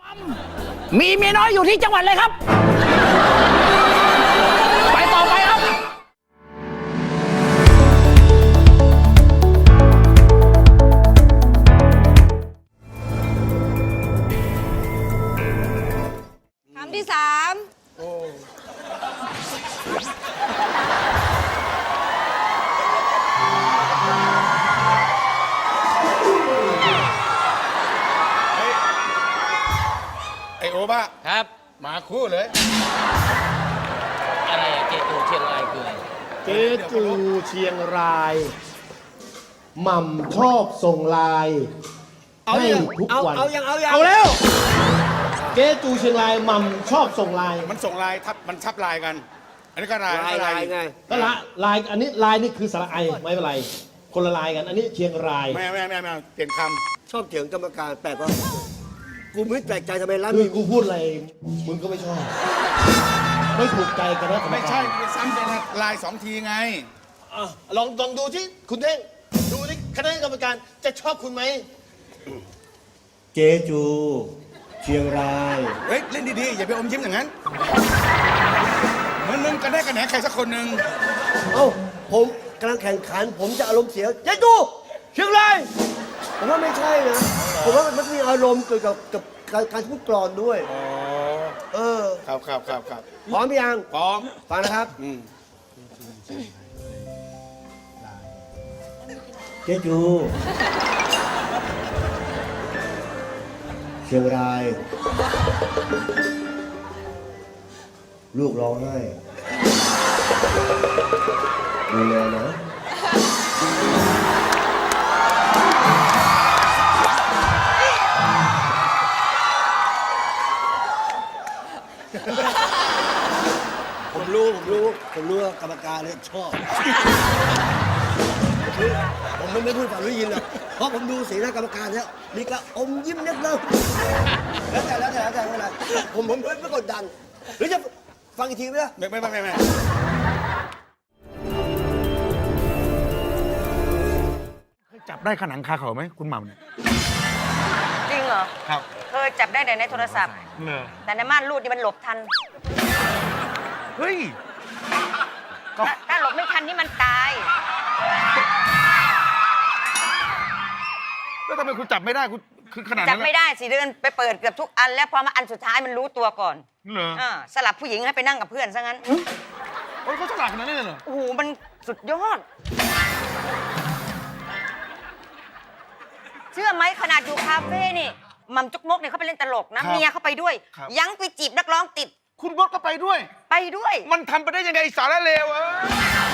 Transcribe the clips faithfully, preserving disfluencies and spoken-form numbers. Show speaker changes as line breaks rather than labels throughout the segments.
มีเมียน้อยอยู่ที่จังหวัดเลยครับไปต่อไปครับ
คำที่สาม
ไอโอบ้า
ครับ
มาคู่เลย
อะไรอะเจตูเชียงรายคืออะไร
เจ๊จูเชียงรายหม่ำชอบส่งไลน์ให้ทุกวัน
เอายังเอายัง
เอาแล้วเจ๊จูเชียงรายหม่ำชอบส่งไลน์
มันส่งลายทับมันทับลายกัน อันนี้ก็ลาย
ลายลายไง
ก็ละไลน์อันนี้ไลน์นี่คือสระไอไม่เป็นไร คนละไลน์กัน อันนี้เชียงราย
ไม่ไม่ไม่ไม่เปลี่ยนค
ชอบเถียงกรรมการแปลกว่ากูไม่แปลกใจทำไมร้าน
คือ
มี
กูพูดอะไรมึงก็ไม่ชอบ ไม่ถูกใจกันนะ
ำไม่ใช่มันซ้ำเป็นลายสองทีไง
อ่ะลองลองดูที่คุณเท่งดูที่คณะกรรมการจะชอบคุณไหมเจ๊จู เชียงราย
เฮ้ยเล่นดีๆอย่าไปอมยิ้มอย่างนั้นเหมือนมึงกันได้กันแหนใครสักคนหนึ่ง
เอ้าผมกำลังแข่งขัน ผมจะอารมณ์เสียเจ๊จูเชียงรายผมว่าไม่ใช่นะผมว่ามันมีอารมณ์เกี่ยวกับกับการการพูดกลอนด้วย
อ๋อ
เออ
ครับครับครับครับ
พร้อมหรือยัง
พร้อม
ฟังนะครับ
อืม
เจ๊จู เชียงราย ลูกร้องไห้ดูแลนะ ผมรู้ ผมรู้ ผมรู้ว่ากรรมการเนี่ยชอบ ผมไม่ไม่พูดฝันได้ยินหรอกเพราะผมดูสีหน้ากรรมการแล้วมีกระอมยิ้มเล็กน้อยแล้วแต่แล้วแต่แล้วแต่ไม่เป็นไรผมผมไม่กดดัน หรือจะฟังอีกทีไหมล่ะ
ไม่ไม่ไม่ไม่ไม่ จับได้ขนังคาเขาไหมคุณหม่ำเนี่ย
จริงเหรอ
ครับ
เคยจับได้แต่ในโทรศัพท์
เนอ
แต่ในม่านรูดนี่มันหลบทัน
เฮ้ย
ถ้าถ้าหลบไม่ทันนี่มันตาย
แล้วทำไมคุณจับไม่ได้คุณคือขนาด
จั
นั้
บ
น
ไม่ได้สิเดินไปเปิดเกือบทุกอันแล้วพอมาอันสุดท้ายมันรู้ตัวก่อน
เหรอ
อ่าสลับผู้หญิงให้ไปนั่งกับเพื่อนซะงั้น
โอ้ยเขาฉลาดขนาดนี้เลยเหรอ
โอ้โหมันสุดยอด เชื่อไหมขนาดอยู่คาเฟ่นี่หม่ำจุกมกเนี่ยเขาไปเล่นตลกนะเมียเขาไปด้วย ยังไปจีบนักร้องติด
คุณบดก็ไปด้วย
ไปด้วย
มันทำไปได้ยังไงไอ้สารเลวเออ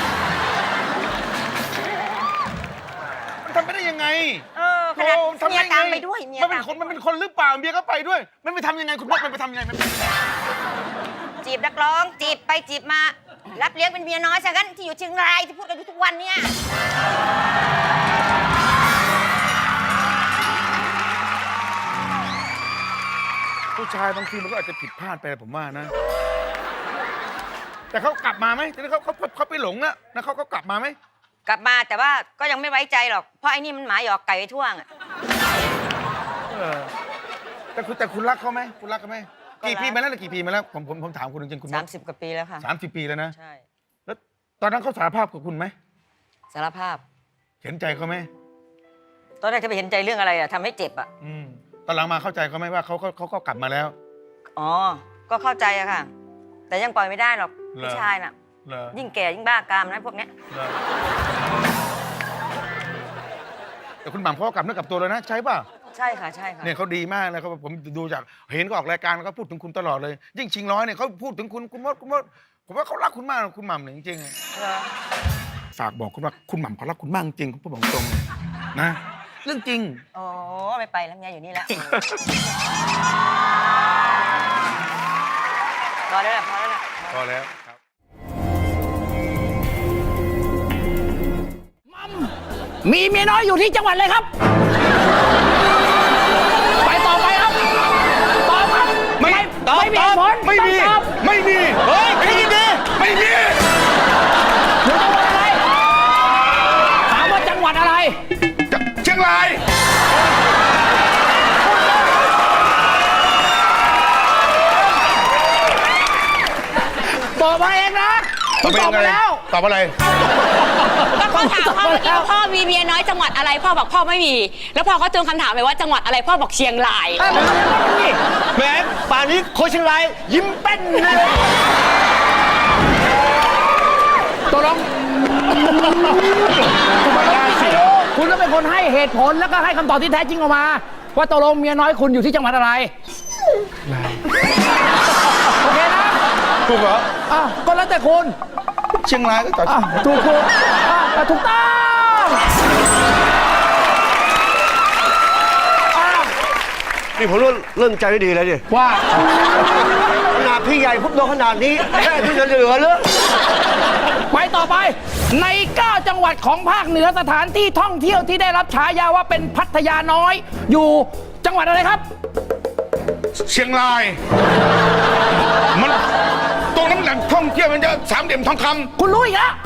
มันทำไปได้ยังไง
เออขนาด
โอ้ทำ
เมีย
ด้ง
ตามไปด้วยเมีย
มันเป็
ตาน ม
คนมันเป็นคนหรือเปล่าเมียก็ไปด้วย มันไปทำยังไงคุณบดมันไปทำยังไงมัน
จีบนักร้องจีบไปจีบมา รับเลี้ยงเป็นเมียน้อยซะงั้นที่อยู่เชียงรายที่พูดกันอยู่ทุกวันเนี่ย
ผู้ชายบางทีมันก็อาจจะผิดพลาดไปผมว่านะ แต่เขากลับมาไหมทีนี้เขาเขาเขาไปหลงนะแล้วเขาก็กลับมาไหม
กลับมาแต่ว่าก็ยังไม่ไว้ใจหรอกเพราะไอ้นี่มันหมาหยอกไก่ไปทั่วอ่ะ
เออแต่คุณแต่คุณรักเขาไหมคุณรักเขาไหม
ก็รัก
กี่ปีมาแล้วกี่ปีมาแล้วผมผมผมถามคุณจริงๆคุณ
สามสิบกว่าปีแล้วค่ะ
สามสิบปีแล้วนะ
ใช่
แล้วตอนนั้นเขาสารภาพกับคุณไหม
สารภาพ
เห็นใจเขาไหม
ตอนแรกจะไปเห็นใจเรื่องอะไรอะทำให้เจ็บอะ
อืมตอนหลังมาเข้าใจเขาไหมว่าเขาเขาเขาก็กลับมาแล้ว
อ๋อก็เข้าใจอะค่ะ แต่ยังปล่อยไม่ได้หรอก
เหรอ
ผู้ชายน่ะ
เหรอ
ยิ่งแก่ยิ่งบ้ากามนะพวกเนี้ย
เหรอแต่คุณหม่ำเขาก็กลับเนื้อกลับตัวเลยนะใช่ป่ะ
ใช่ค่ะใช่ค่ะ
เนี่ยเขาดีมากเลยเขาผมดูจากเห็นก็ออกรายการเขาพูดถึงคุณตลอดเลย ยิ่งชิงร้อยเนี่ยเขาพูดถึงคุณคุณมดคุณมดผมว่าเขารักคุณมากคุณหม่ำเนี่ยจริงๆ
เหรอ
ฝากบอกคุณว่าคุณหม่ำเขารักคุณมากจริงคุณบอกตรงเลยนะเรื่องจริง
โอ้ไม่ไปแล้วเมียอยู่นี่แล้วพอแล้วแหละพอแล้วแหละ
พอแล้วครับ
มีเมียน้อยอยู่ที่จังหวัดเลยครับไปต่อไปครับตอบครับ
ไม่
ตอบไม่มีเหตุผล
ไม่มี
ต้องตอบ
ไม่มีเฮ้ยไม่มีไม่มี
อยู่จังหวัดอะไรถามว่าจังหวัดอะไร
เชียงราย
อบมาเองนะคุณตอบมาแล้ว
ตอบอะไร
ก็เขาถามพ่อเมื่อกี้ว่าพ่อมีเมียน้อยจังหวัดอะไรพ่อบอกพ่อไม่มี แล้วพอเขาเติมคำถามไปว่าจังหวัดอะไรพ่อบอกเชียงราย
แหมป่านนี้โคชเชียงรายยิ้มเป้นเลย
ตกลงคุณก็เป็นคนให้เหตุผลแล้วก็ให้คำตอบที่แท้จริงออกมา ว่าตกลงเมียน้อยคุณอยู่ที่จังหวัดอะไรโอเคนะ
ถูกเหรอ
อ่ะก็แล้วแต่คุณ
เชียงรายก็ตอบ
อ่ะถูกคุณอ่ะถูกต้องอ่ะ
นี่ผมเริ่มเริ่มใจไม่ดีแล้วดิ
ว่า
ขนาดพี่ใหญ่พุบโดนขนาดนี้แค่ที่จะเหลือเลย
ไปต่อไปใน เก้า จังหวัดของภาคเหนือสถานที่ท่องเที่ยวที่ได้รับฉายาว่าเป็นพัทยาน้อย อยู่จังหวัดอะไรครับ
เชียงราย มันตรงนั้นแหล่งท่องเที่ยวมันจะสามเหลี่ยมทองคำ
คุณรู้อีกแล้ว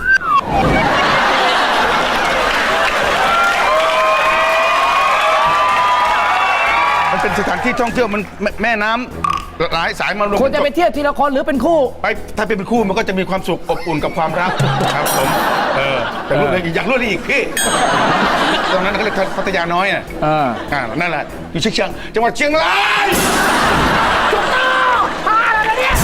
มันเป็นสถานที่ท่องเที่ยวมันแม่แม่น้ำหลายสายมารวม
ควรจะไปเที่ยวทีละคนหรือเป็นคู่
ไปถ้าเป็นคู่มันก็จะมีความสุขอบอุ่นกับความรักครับผมเออแต่รู้เลยอยากรู้อะไรอีกพี่ตรงนั้นเขาเรียกพัทยาน้อยอ่ะ
เออ
อ่านั่นแหละอยู่เชียงจังหวัดเชียงราย
ถูกต้องพาอะไรกันเนี่ย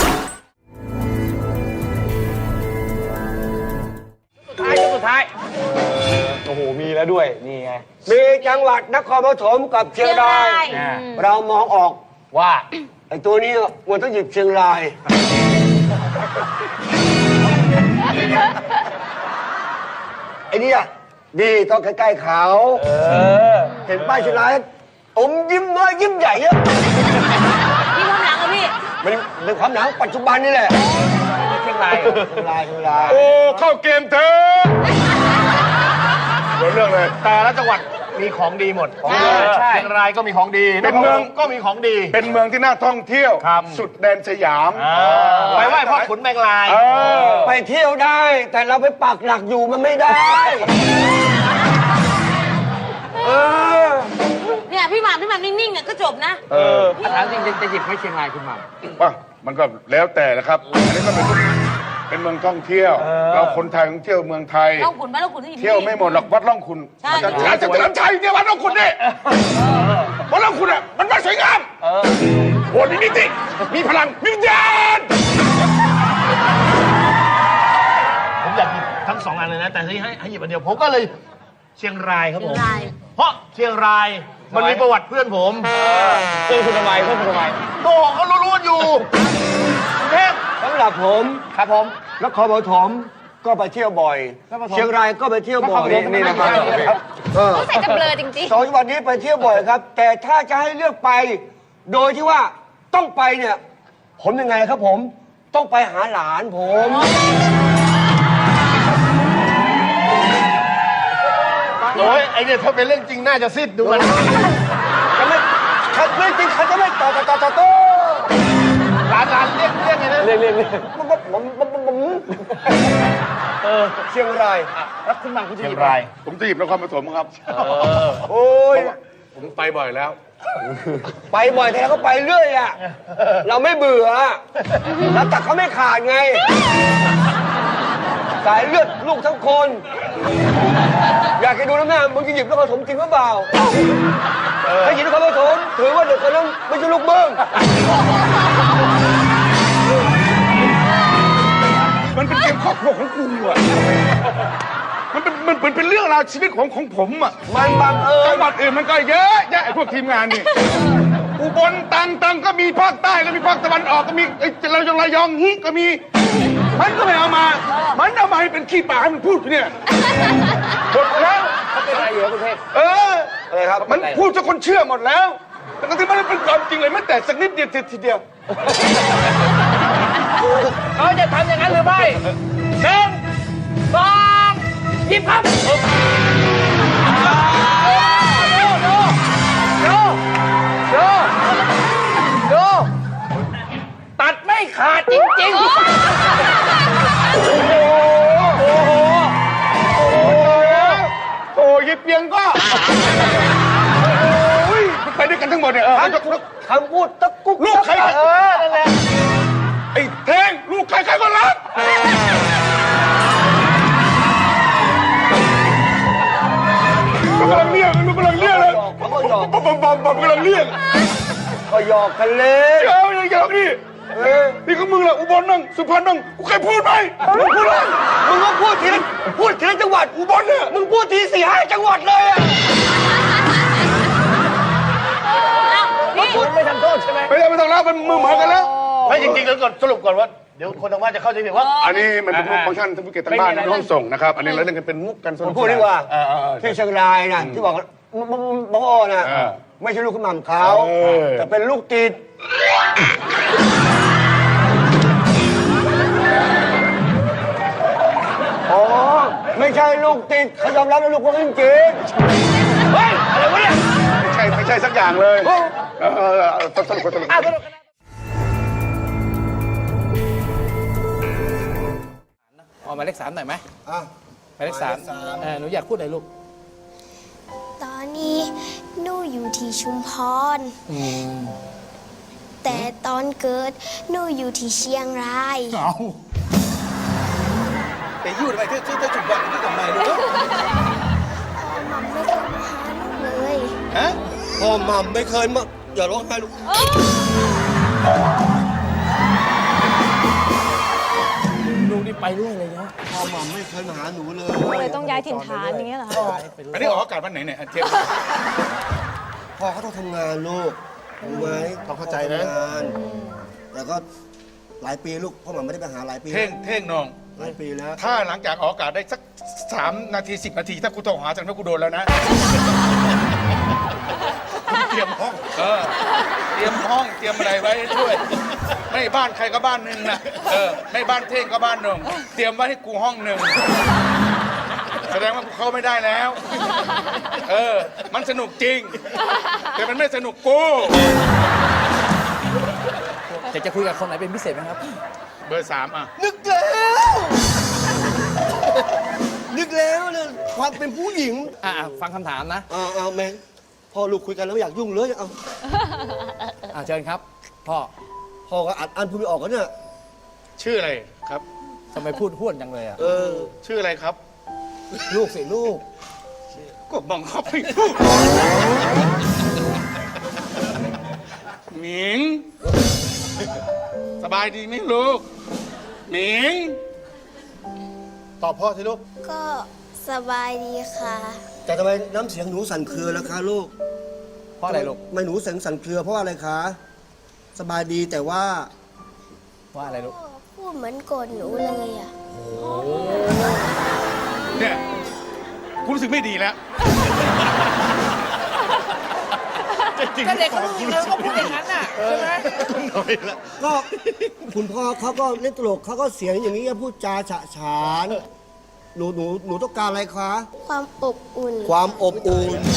สุดท้ายสุดท้าย
โอ้โห มีแล้วด้วย นี่ไง
มีจังหวัดนครปฐมกับเชียงราย เรามองออก
ว่า
ไอ้ตัวนี้มันต้องหยิบเชียงราย ไอ้เนี่ยดีต้องใกล้ๆเขา
เออ
เห็นป้ายเชียงรายอมยิ้มน้อยยิ้มใหญ่อะ
พี่ความหลังอะพี่
มันเป็นความหนังปัจจุบันนี่แหละ
เชียงราย
เชียงรายเชียงราย
โอ้เข้าเกมเถอะเดี๋ยวเรื่องเลย
แต่ละจังหวัดมีของดีหมด
ใช่
ใช่เชียงรายก็มีของดี
เป็นเมือง
ก็มีของดี
เป็นเมืองที่น่าท่องเที่ยว
ครับ
สุดแดนสยาม
อ่าไปไหว้พ่อขุนแมงลาย
เออ
ไปเที่ยวได้ แต่เราไปปักหลักอยู่มันไม่ได้ เออ
เนี่ยพี่หม่ำพี่หม่ำนิ่งๆเนี่ยก็จบนะ
เออ
ถามจริงจะหยิบให้เชียงรายคุณหม่ำ
ว่ามันก็แล้วแต่แหละครับอันนี้ก็เป็นเป็นเมืองท่องเที่ยว เราคนไทยท่องเที่ยวเมืองไทย
ล่องขุนบ้านล่องขุนที่อยู่
เที่ยวไม่หมดหรอกวัดร่องคุณ
ใช่
อาจารย์จะเฉลิมชัยเนี่ยวัดร่องคุณเนี่ยวัดร่องคุณอ่ะมันวัดสวยงามโอ้มีนิติมีพลังมีวิญญาณ
ผมอยากหยิบทั้งสองอันเลยนะ แต่ที่ให้ให้หยิบอันเดียวผมก็เลยเชียงรายครับผม
เชียงราย
เพราะเชียงรายมันมีประวัติเพื่อนผม
เพื่อนคุณทำไมเพื่อนคุณทำไม
โตเขารู้ๆอยู่กรุงเทพ
สำหรับผม
ครับผม
นครปฐมก็ไปเที่ยวบ่อย เชียงรายก็ไปเที่ยวบ่อย
นี่นะครับ
เออ
ต้องใส่จะเบลอจริง
สองจังหวัดนี้ไปเที่ยวบ่อยครับ แต่ถ้าจะให้เลือกไป โดยที่ว่าต้องไปเนี่ย ผมยังไงครับผม ต้องไปหาหลานผม
โอ้ยไอเนี่ยถ้าเป็นเรื่องจริงน่าจะซิดดูมัน
จะไม่เขาไม่จริงเขาจะไม่ต่อต่อต่อต่อโต้
ร้านร้านเรียกเรียกไงนะ
เรียกเรียกเรียก
ผมผมผมผมผมเชียงราย
แล้วคุณหม่ำคุณจะ
เชี
ห
ย
ยิ
ง
บ
ราย ผมจะหยิบนครปฐมครับ
โอ้ย
ผมไปบ่อยแล้ว
ไปบ่อยแต่เราก็ไปเรื่อยอ่ะ เราไม่เบื่อเราตัดเขาไม่ขาดไง สายเลือดลูกทั้งคน อยากจะดูนะแม่มึงจะหยิบนครปฐมจริงหรือเปล่าถ้าหยิบนครปฐมถือว่าเด็กคนนั้นไม่ใช่ลูกมึง
มันเป็นเกมครอบครัวของกูอ่ะมันเป็นมันเป็นเป็นเรื่องราวชีวิตของของผมอ่ะ
มันบังเอิญ
จังหวัดอื่นมันก็เยอะแยะไอ้พวกทีมงานนี่ อุบลตังตังก็มีภาคใต้ก็มีภาคตะวันออกก็มีไอ้เรายองระยองฮิก็มี มันก็ไม่เอามา มันเอามาให้เป็นขี้ปากให้มันพูดเนี่ยหมดแล้ว
เขาเป็นอะไรอยู่ครับคุณเทพ
เออ
อะไรครับ
มันพูดจนคนเชื่อหมดแล้วแต่ก็ที่มันไม่เป็นความจริงเลยแม้แต่สักนิดเดียวทีเดียว
เขาจะทำอย่างนั้นหรือไม่หนึ่งสองหยิบครับดูดูดูดูดูตัดไม่ขาดจริงๆ
โอ้โห โอ้โห โอ้โหโอ้ยเปียงก็โอ้ยไปด้วยกันทั้งหมดเนี่ยเออลูก
คำพูดตะกุก
ลูกใคร
เออนั่นแหละ
ไอ้เท่งลูกใครใครก็รักบอมบอมกำลังเรียก
ก็หยอกกันเล่น
เจ้าอย่างเงี้ยนี่นี่ก็มึงแหละอุบลนั่งสุพรรณนั่งกูเคยพูดไหมมึงพูดเลยมึงก็พูดทีละพูดทีละจังหวัดอุบลเนี่ยมึงพูดทีสี่ห้าจังหวัดเลยอะ
คุณไม่ทำโทษใช่ไหม
ไม่ได้ไม่ต้องแล้วมันมือเหมือนกันแล้ว
ไม่จริงๆแล้วก่อนสรุปก่อนว่าเดี๋ยวคนทางบ้านจะเข้าใจผิดว่า
อันนี้มันเป็นมุกฟังก์ชันท่านผู้เกียรติทางบ้านในห้องส่งนะครับอันนี้เราเล่นกันเป็นมุกกันส
ผ
นุ
ม
ก
พูดดีกว่า
เออเออเออ
ที่เชียงรายน่ะที่บอกว่าบ้าน่ะ
เออ
ไม่ใช่ลูกคุณหม่ำเขา
เออ
แต่เป็นลูกติดอ๋อไม่ใช่ลูกติดเขายอมรับเป็นลูกคนจริงๆเฮ้ยอะไรวะเนี่ย
ไม่ใช่ไม่ใช่สักอย่างเลยเออเออเออเออสนุกสนุก
ออกหมายเลขสามหน่อยไหม
อ่ะ
หมายเลขสามเออหนูอยากพูดอะไรลูก
ตอนนี้หนูอยู่ที่ชุมพร แต่ตอนเกิดหนูอยู่ที่เชียงราย
เอา
แต่ยู่ทำไมที่ที่ที่จุดบอลที่ทำไมลูก
พ่อมัมไม่เคยมาหาหนูเลย
ฮะ
พ่อหม่ำไม่เคยมาอย่าร้องไห้ลูก
ลูกนี่ไปด้วยเลยนะ
พ่อหม่ำไม่เคยมาหาหนูเลย
เลยต้องย้ายถิ่นฐานอย่างเงี้ยเหรอ
อันนี้ออกอากาศวันไหนเนี่ยเทียบ
พ่อเขาต้องทำงานลูกรู้ไหม
ต้องเข้าใจนะ
ทำงานแล้วก็หลายปีลูกพ่อหม่ำไม่ได้ไปหาหลายปี
เท่งเท่งน้อง
หลายปีแล้ว
ถ้าหลังจากออกอากาศได้สักสามนาทีสิบนาที ถ้ากูโทรหาจังนั้นกูโดนแล้วนะ เตรียมห้อง เออ เตรียมห้อง เตรียมอะไรไว้ด้วย ไม่บ้านใครก็บ้านหนึ่งนะ เออ ไม่บ้านเท่งก็บ้านหนึ่ง เตรียมไว้ให้กูห้องหนึ่ง แสดงว่ากูเข้าไม่ได้แล้ว เออ มันสนุกจริง แต่มันไม่สนุกกู
จะจะคุยกับคนไหนเป็นพิเศษไหมครับ
เบอร์สามอ่ะ
นึกแล้วนึกแล้วเนี่ยความเป็นผู้หญิง
อ่าฟังคำถามนะ
เอาเอาแมงพ่อลูกคุยกันแล้วไม่อยากยุ่งเลยเอา
อ่าเชิญครับ พ่อ
พ่อก็อัดอันพูดไม่ออกกันเนี่ย
ชื่ออะไรครับ
ทำไมพูดห้วนจังเลยอ่ะ
เออ
ชื่ออะไรครับ
ลูกสิลูก
ก็บังคับให้พูดหมิง สบายดีไหมลูก หมิง
ตอบพ่อสิลูก
ก็สบายดีค่ะ
แต่ทำไมน้ำเสียงหนูสั่นเครือล่ะคะลูก
เพราะอะไรลูก
ทำไมหนูเสียงสั่นเครือเพราะอะไรคะสบายดีแต่ว่า
เพราะอะไรลูก
พ่อพูดเหมือนโกรธหนูเลยอ่ะ
เนี่ยกูรู้สึกไม่ดีแล้ว
ก็เด็กเขารู้เลยเขาพูดอย่างนั้นน่ะใช่ไหม
ก็คุณพ่อเขาก็เล่นตลกเขาก็เสียงอย่างนี้พูดจาฉะฉานหนูหนูหนูต้องการอะไรคะ
ความอบอุ่น
ความอบอุ่น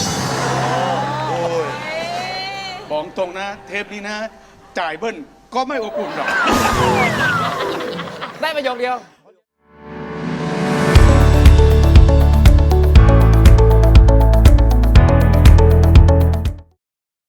บอกตรงนะ เทปนี้นะ จ่ายเบิ้ลก็ไม่อบอุ่นหรอก
ได้ประโยคเดียว